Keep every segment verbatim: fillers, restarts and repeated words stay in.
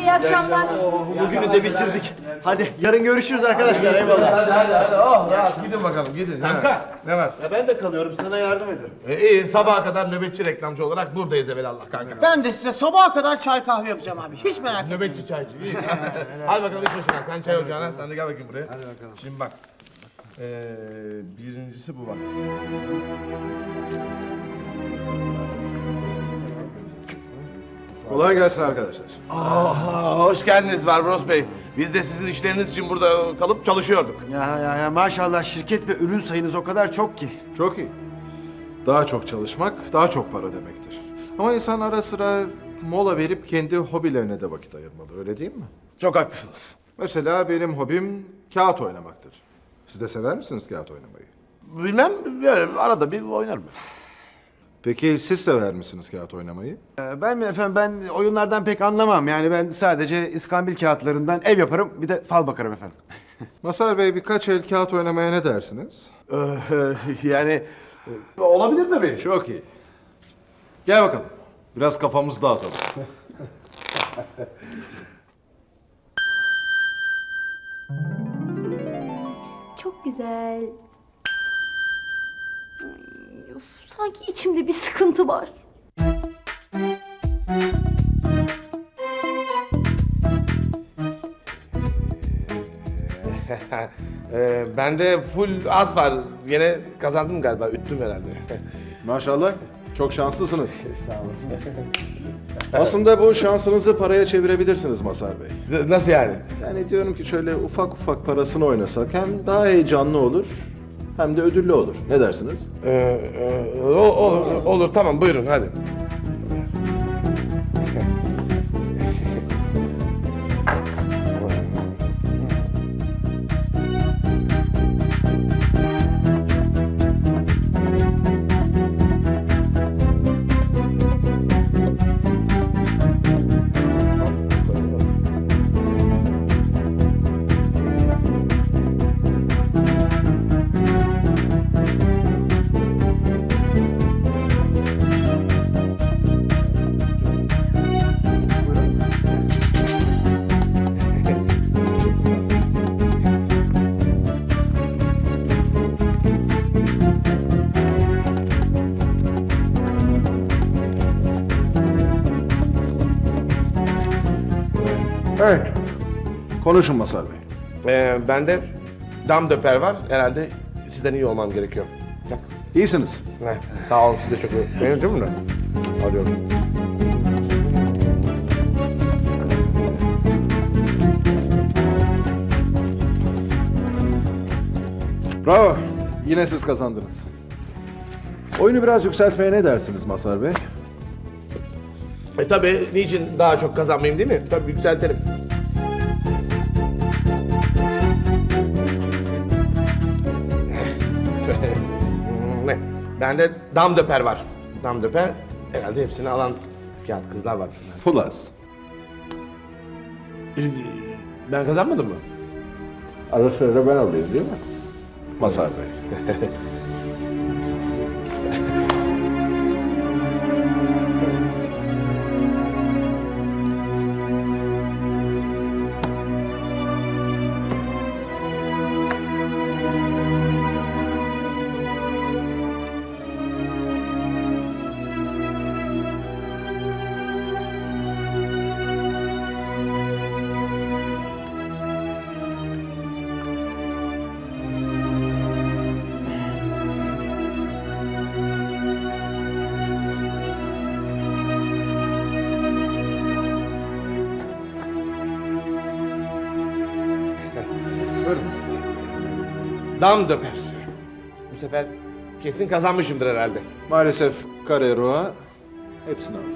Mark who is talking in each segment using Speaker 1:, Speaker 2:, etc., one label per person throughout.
Speaker 1: iyi akşamlar.
Speaker 2: Bugünü de bitirdik. Hadi yarın görüşürüz arkadaşlar. Eyvallah.
Speaker 3: Hadi hadi hadi. Oh rahat. Gidin bakalım gidin.
Speaker 4: Kanka.
Speaker 3: Ne var?
Speaker 4: Ya ben de kalıyorum, sana yardım ederim.
Speaker 3: E, iyi sabaha kadar nöbetçi reklamcı olarak buradayız evelallah kanka.
Speaker 2: Ben de size sabaha kadar çay kahve yapacağım abi. Hiç merak etmeyin.
Speaker 3: Nöbetçi çaycı. İyi. Hadi bakalım iş başına. Sen çay ocağına. Sen de gel bakayım buraya. Hadi bakalım. Şimdi bak. Ee, birincisi bu bak.
Speaker 5: Kolay gelsin arkadaşlar.
Speaker 3: Aa, hoş geldiniz Barbaros Bey. Biz de sizin işleriniz için burada kalıp çalışıyorduk.
Speaker 4: Ya, ya, ya maşallah şirket ve ürün sayınız o kadar çok ki.
Speaker 5: Çok iyi. Daha çok çalışmak, daha çok para demektir. Ama insan ara sıra mola verip kendi hobilerine de vakit ayırmalı, öyle değil mi?
Speaker 3: Çok haklısınız.
Speaker 5: Mesela benim hobim kağıt oynamaktır. Siz de sever misiniz kağıt oynamayı?
Speaker 3: Bilmem, böyle arada bir oynarım.
Speaker 5: Peki siz sever misiniz kağıt oynamayı?
Speaker 4: Ee, Ben mi efendim, ben oyunlardan pek anlamam. Yani ben sadece iskambil kağıtlarından ev yaparım, bir de fal bakarım efendim.
Speaker 5: Masar Bey, birkaç el kağıt oynamaya ne dersiniz?
Speaker 4: Yani
Speaker 3: Olabilir tabii.
Speaker 5: Çok iyi. Gel bakalım. Biraz kafamızı dağıtalım.
Speaker 1: Çok güzel. Ay, of, sanki içimde bir sıkıntı var.
Speaker 3: ee, bende full az var. Yine kazandım galiba. Üttüm herhalde.
Speaker 5: Maşallah. Çok şanslısınız. Sağ olun. Aslında bu şansınızı paraya çevirebilirsiniz Masar Bey.
Speaker 3: Nasıl yani?
Speaker 5: Yani diyorum ki şöyle ufak ufak parasını oynasak hem daha heyecanlı olur hem de ödüllü olur. Ne dersiniz?
Speaker 3: Ee, e, o- olur, olur. Tamam buyurun hadi.
Speaker 5: Evet. Konuşun Masar Bey.
Speaker 3: Ee, bende dam döper var. Herhalde sizden iyi olmam gerekiyor. Bak.
Speaker 5: İyisiniz.
Speaker 3: Heh, sağ olun siz de çok iyi. Benim değil mi? Alıyorum.
Speaker 5: Bravo. Yine siz kazandınız. Oyunu biraz yükseltmeye ne dersiniz Masar Bey?
Speaker 3: E tabii niçin daha çok kazanmayayım değil mi? Tabii yükseltelim. Ne? Bende dam döper var. Dam döper herhalde hepsini alan kağıt kızlar var.
Speaker 5: Fulas.
Speaker 3: Ee, Ben kazanmadım mı?
Speaker 5: Ara sıra ben alayım değil mi? Masar Bey. Buyurun.
Speaker 3: Dam döper. Bu sefer kesin kazanmışımdır herhalde.
Speaker 5: Maalesef Carrera hepsini alır.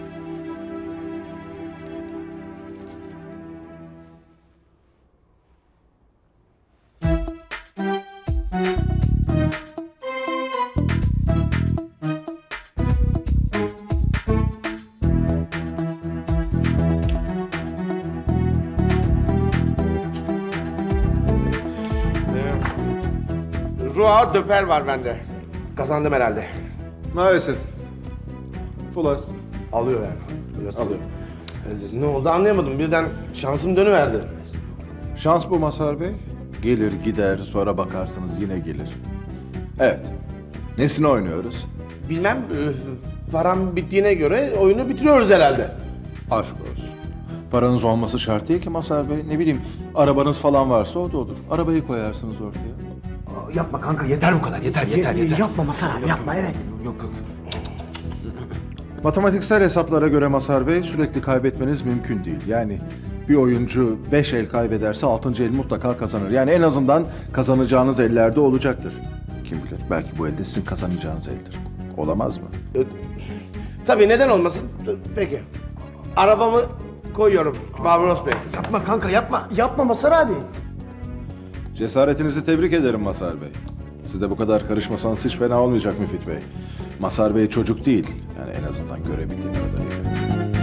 Speaker 3: Rua döper var bende. Kazandım herhalde.
Speaker 5: Maalesef. Fulas.
Speaker 3: Alıyor yani. Alıyor.
Speaker 5: Alıyor.
Speaker 3: Ne oldu anlayamadım. Birden şansım dönüverdi.
Speaker 5: Şans bu Mazhar Bey. Gelir gider sonra bakarsınız yine gelir. Evet. Nesini oynuyoruz?
Speaker 3: Bilmem, e, param bittiğine göre oyunu bitiriyoruz herhalde.
Speaker 5: Aşk olsun. Paranız olması şart değil ki Mazhar Bey. Ne bileyim arabanız falan varsa o da olur. Arabayı koyarsınız ortaya.
Speaker 4: Yapma kanka yeter bu kadar yeter yeter yeter.
Speaker 2: Yapma Masar abi yapma evet.
Speaker 4: Yok yok.
Speaker 5: Matematiksel hesaplara göre Mazhar Bey sürekli kaybetmeniz mümkün değil. Yani bir oyuncu beş el kaybederse altıncı el mutlaka kazanır. Yani en azından kazanacağınız ellerde olacaktır. Kim bilir belki bu elde sizin kazanacağınız eldir. Olamaz mı?
Speaker 3: E, tabii neden olmasın? E, Peki. Arabamı koyuyorum Barbaros Bey.
Speaker 2: Yapma kanka yapma. Yapma Masar abi.
Speaker 5: Cesaretinizi tebrik ederim Mazhar Bey. Siz de bu kadar karışmasanız hiç fena olmayacak Müfit Bey. Mazhar Bey çocuk değil. Yani en azından görebildiğim kadarıyla.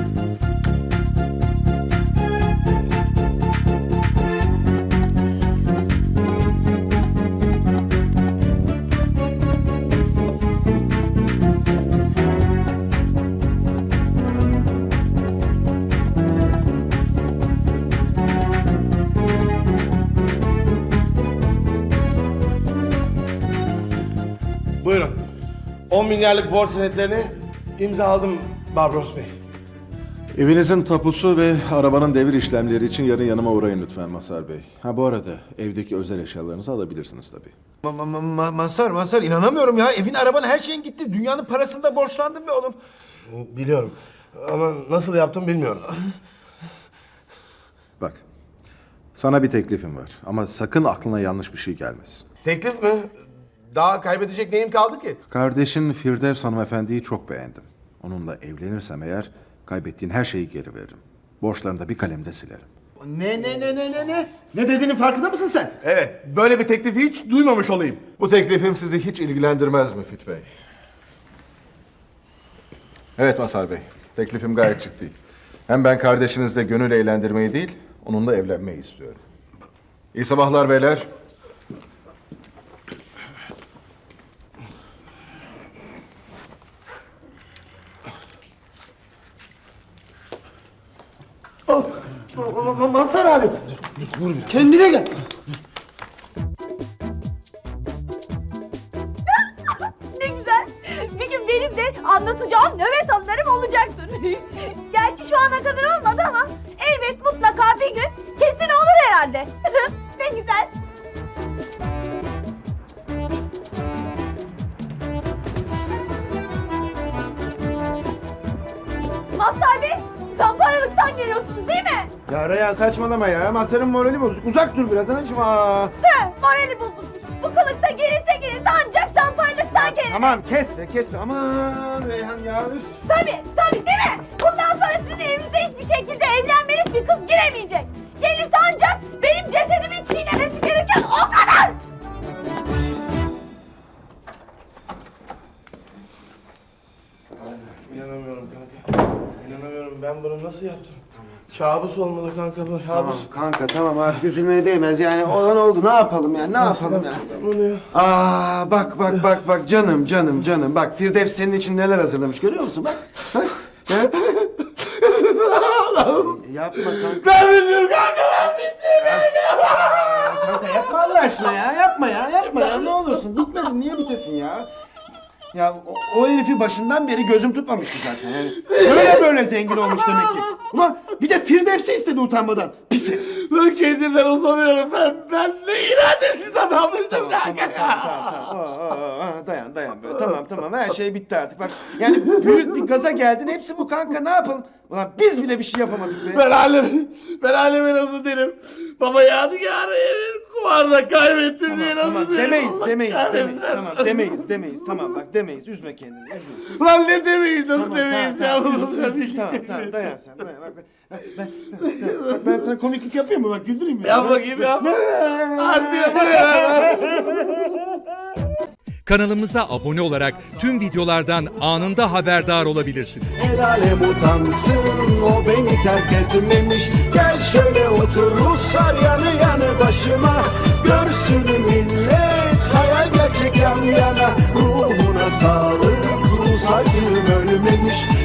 Speaker 3: Buyurun. on milyarlık borç senetlerini imzaladım Barbaros Bey.
Speaker 5: Evinizin tapusu ve arabanın devir işlemleri için yarın yanıma uğrayın lütfen Mazhar Bey. Ha bu arada evdeki özel eşyalarınızı alabilirsiniz tabii.
Speaker 4: Ma ma ma Mazhar Mazhar inanamıyorum ya. Evin araban her şeyin gitti. Dünyanın parasını da borçlandım be oğlum.
Speaker 3: Biliyorum. Ama nasıl yaptım bilmiyorum.
Speaker 5: Bak, sana bir teklifim var ama sakın aklına yanlış bir şey gelmesin.
Speaker 3: Teklif mi? Daha kaybedecek neyim kaldı ki?
Speaker 5: Kardeşin Firdevs hanımefendiyi çok beğendim. Onunla evlenirsem eğer kaybettiğin her şeyi geri veririm. Borçlarını da bir kalemde silerim.
Speaker 2: Ne ne ne ne ne ne? Ne dediğinin farkında mısın sen?
Speaker 3: Evet, böyle bir teklifi hiç duymamış olayım.
Speaker 5: Bu teklifim sizi hiç ilgilendirmez Müfit Bey. Evet Mazhar Bey, teklifim gayet ciddi. Hem ben kardeşinizle gönül eğlendirmeyi değil, onunla evlenmeyi istiyorum. İyi sabahlar beyler.
Speaker 2: Ma- ma- Masar abi. Kendine gel.
Speaker 1: Ne güzel. Bir gün benim de anlatacağım nöbet anılarım olacaktır. Gerçi şu ana kadar olmadı ama elbet mutlaka bir gün kesin olur herhalde. Ne güzel. Mazhar Bey, zamparalıktan geliyorsunuz değil mi?
Speaker 2: Ya Reyhan saçmalama ya. Masar'ın morali bozuk. Uzak dur biraz anacığım. Aa.
Speaker 1: Tüh, morali bozulmuş. Bu kılıkta gelirse gelirse ancak zamparalıktan gelir.
Speaker 2: Tamam kesme kesme. Aman Reyhan ya. Üf.
Speaker 1: Tabii, tabii değil mi? Bundan sonra sizin evinize hiçbir şekilde evlenmelik bir kız giremeyecek. Gelirse ancak benim cesedimi çiğnemesi gereken o kadar!
Speaker 3: İnanamıyorum kanka. İnanamıyorum. Ben bunu nasıl yaptım? Kabus olmalı kanka bu. Kabus.
Speaker 2: Tamam kanka tamam artık üzülmeye değmez yani olan oldu ne yapalım yani ne yapalım yani.
Speaker 3: Ben bunu ya.
Speaker 2: Aa bak bak bak bak canım canım canım bak Firdevs senin için neler hazırlamış görüyor musun bak. Bak. Ya. Yapma kanka.
Speaker 3: Ben bilmiyorum kanka ben bittim.
Speaker 2: Kanka yapma Allah aşkına ya yapma ya yapma ya ne olursun bitmedin niye bitesin ya. Ya o, o herifi başından beri gözüm tutmamıştı zaten yani. Böyle böyle zengin olmuş demek ki. Ulan bir de Firdevs'i istedi utanmadan. Pis herif.
Speaker 3: Ben kendimden utanıyorum. Ben, ben ne iradesiz adammışım
Speaker 2: Tamam, tamam,
Speaker 3: kanka.
Speaker 2: tamam, tamam, tamam. Aa, aa, aa, dayan, dayan böyle. Tamam, tamam. Her şey bitti artık. Bak, yani büyük bir gaza geldin. Hepsi bu kanka. Ne yapalım? Ulan biz bile bir şey yapamadık be.
Speaker 3: Ben alem, ben aleme nasıl derim? Baba yadigarı kumarda kaybettim diye nasıl
Speaker 2: Tamam,
Speaker 3: derim?
Speaker 2: demeyiz,
Speaker 3: Allah
Speaker 2: demeyiz,
Speaker 3: kahretsin.
Speaker 2: demeyiz. Tamam, demeyiz, demeyiz. Tamam bak, demeyiz. Üzme kendini, üzme.
Speaker 3: Ulan ne demeyiz, nasıl
Speaker 2: Tamam,
Speaker 3: demeyiz
Speaker 2: tamam,
Speaker 3: ya?
Speaker 2: tamam,
Speaker 3: bunu
Speaker 2: üzme,
Speaker 3: da bir
Speaker 2: üzme.
Speaker 3: şey
Speaker 2: Tamam, tamam. Dayan sen, dayan. Bak, ben, ben, ben, bak, ben sana komiklik yapayım mı? Bak, güldüreyim mi?
Speaker 3: Yap bakayım yap. Asya buraya.
Speaker 6: Kanalımıza abone olarak tüm videolardan anında haberdar olabilirsiniz.
Speaker 7: El alem utansın o beni terk etmemiş. Gel şöyle otur Ruslar yanı yanı başıma. Görsün millet hayal gerçek yan yana. Ruhuna sağlık Rus acım ölmemiş.